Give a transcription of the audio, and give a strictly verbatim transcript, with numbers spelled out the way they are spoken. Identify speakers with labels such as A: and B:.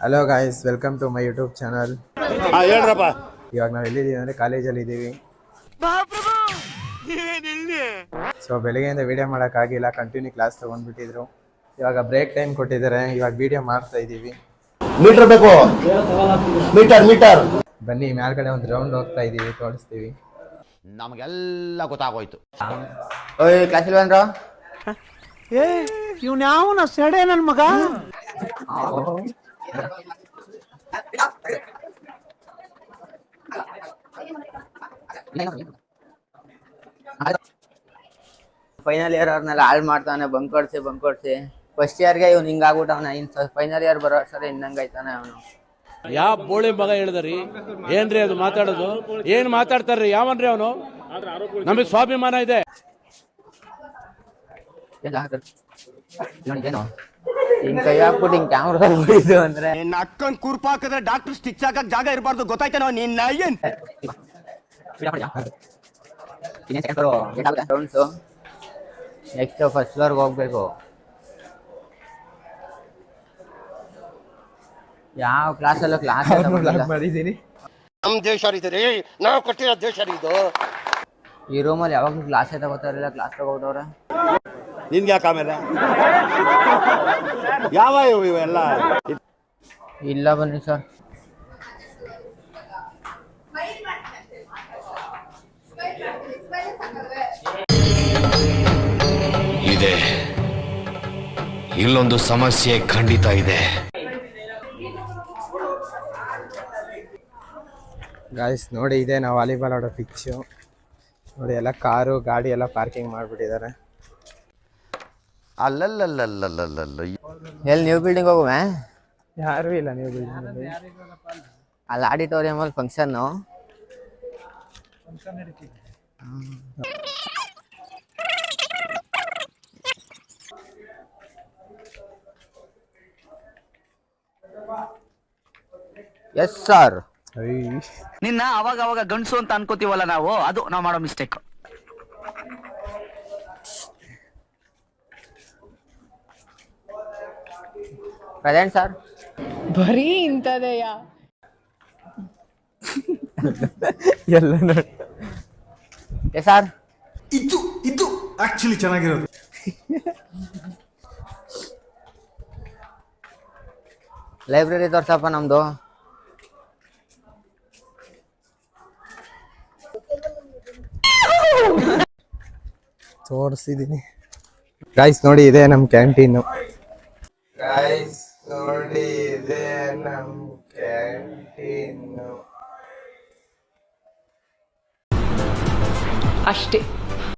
A: Hello guys, welcome to my YouTube channel.
B: ಹೇಳ್ರಪ್ಪ.
A: ಇವಾಗ ನಾವು ಎಲ್ಲಿದ್ದೀವಿ ಅಂದರೆ ಕಾಲೇಜಲ್ಲಿ ಇದ್ದೀವಿ. ಸೊ ಬೆಳಗ್ಗೆಯಿಂದ ವಿಡಿಯೋ ಮಾಡೋಕ್ಕಾಗಿಲ್ಲ, ಕಂಟಿನ್ಯೂ ಕ್ಲಾಸ್ ತೊಗೊಂಡ್ಬಿಟ್ಟಿದ್ರು. ಇವಾಗ ಬ್ರೇಕ್ ಟೈಮ್ ಕೊಟ್ಟಿದ್ದಾರೆ, ಇವಾಗ ವಿಡಿಯೋ ಮಾಡ್ತಾ ಇದ್ದೀವಿ.
B: ಮೀಟರ್ ಬೇಕು, ಮೀಟರ್ ಮೀಟರ್
A: ಬನ್ನಿ ಮೇಲ್ಗಡೆ ಒಂದು ರೌಂಡ್ ಹೋಗ್ತಾ ಇದ್ದೀವಿ, ತೋರಿಸ್ತೀವಿ.
B: ನಮಗೆಲ್ಲ ಗೊತ್ತಾಗೋಯ್ತು.
C: ಓಯ್ ಕ್ಲಾಸ್ ಇಲ್ವೇನ್ರ?
D: ಏ ಇವ್ನ ಯಾವನ ಸೆಡೆ ನನ್ ಮಗ.
C: ಫೈನಲ್ ಇಯರ್ ಅವ್ರನ್ನೆಲ್ಲ ಹಾಳು ಮಾಡ್ತಾನೆ, ಬಂಕ್ ಕೊಡ್ಸಿ ಬಂಕ್ ಕೊಡ್ಸಿ. ಫಸ್ಟ್ ಇಯರ್ಗೆ ಇವ್ನು ಹಿಂಗಾಗ್ಬಿಟ್ಟವನ, ಇನ್ ಫೈನಲ್ ಇಯರ್ ಬರೋ ಸರಿ ಇನ್ನಂಗೈತಾನೆ ಅವನು.
E: ಯಾವ ಬೋಳಿ ಮಗ ಹೇಳಿದ್ರಿ? ಏನ್ರಿ ಅದು ಮಾತಾಡೋದು? ಏನ್ ಮಾತಾಡ್ತಾರ್ರಿ? ಯಾವನ್ರಿ ಅವನು? ನಮಗೆ ಸ್ವಾಭಿಮಾನ ಇದೆ.
C: ಹಿಂಗ್ ಕೈ ಹಾಕ್ಬಿಟ್ಟು ಹಿಂಗ್ ಕ್ಯಾಮ್ರಾ ಬಿಡಿದು ಅಂದ್ರೆ
B: ನಿನ್ನ ಅಕ್ಕನ್ ಕುರ್ಪ ಹಾಕಿದ್ರೆ ಡಾಕ್ಟರ್ ಸ್ಟಿಚ್ ಹಾಕಕ್ ಜಾಗ ಇರಬಾರ್ದು, ಗೊತ್ತಾಯ್ತೇನೋ ನಿನ್ನ ಏನ್?
C: ನೆಕ್ಸ್ಟ್ ಫಸ್ಟ್ ಫ್ಲೋರ್ಗೆ ಹೋಗ್ಬೇಕು. ಯಾವ ಕ್ಲಾಸಲ್ಲೂ ಕ್ಲಾಸ್
A: ಮಾಡಿದ್ದೀನಿ.
B: ನಮ್ ದೇಶ ರೀ, ನಾವು ಕೊಟ್ಟಿರೋ ದೇಶ ಇದು.
C: ಈ ರೂಮಲ್ಲಿ ಯಾವಾಗಲೂ ಕ್ಲಾಸೇ ತಗೋತಾರಿಲ್ಲ, ಕ್ಲಾಸ್ ತಗೋಟವ್ರೆ.
B: ನಿನ್ಗೆ ಯಾಕೆ ಆಮೇಲೆ ಯಾವ ಇವೆಲ್ಲ
C: ಇಲ್ಲ ಬನ್ನಿ ಸರ್.
F: ಇದೆ, ಇಲ್ಲೊಂದು ಸಮಸ್ಯೆ ಖಂಡಿತ ಇದೆ.
A: ಗಾಯ್ಸ್ ನೋಡಿ, ಇದೆ ನಾವು ವಾಲಿಬಾಲ್ ಆಡೋ ಪಿಚ್ಚು. ನೋಡಿ ಎಲ್ಲ ಕಾರು ಗಾಡಿ ಎಲ್ಲ ಪಾರ್ಕಿಂಗ್ ಮಾಡಿಬಿಟ್ಟಿದ್ದಾರೆ.
B: ಅಲ್ಲಲ್ಲಲ್ಲಲ್ಲಲ್ಲಲ್ಲ
C: ಎಲ್ಲಿ ನ್ಯೂ ಬಿಲ್ಡಿಂಗ್ ಹೋಗುವೆ?
A: ಯಾರೂ ಇಲ್ಲ ನ್ಯೂ ಬಿಲ್ಡಿಂಗಲ್ಲಿ.
C: ಅಲ್ಲಿ ಆಡಿಟೋರಿಯಮಲ್ಲಿ ಫಂಕ್ಷನ್ನು. Yes sir.
D: ನಿನ್ನ ಅವಾಗ ಅವಾಗ ಗಂಡಸು ಅಂತ ಅನ್ಕೋತೀವಲ್ಲ ನಾವು, ಅದು ನಾವು ಮಾಡೋ ಮಿಸ್ಟೇಕ್.
C: Present sir.
G: ಬರೀ ಇಂಥದೆಯ
A: ಎಲ್ಲ ನೋಡಿ.
C: Yes sir.
H: ಇದು ಇದು ಆಕ್ಚುಲಿ ಚೆನ್ನಾಗಿರೋದು.
C: ಲೈಬ್ರರಿ ತೋರ್ಸಪ್ಪ ನಮ್ದು.
A: ತೋರಿಸಿದ್ದೀನಿ. ಗಾಯ್ಸ್ ನೋಡಿ, ಇದೆ ನಮ್ಮ ಕ್ಯಾಂಟೀನು. ಗಾಯ್ಸ್ ನೋಡಿ, ಇದೆ ನಮ್ಮ ಕ್ಯಾಂಟೀನು.
G: ಅಷ್ಟೇ.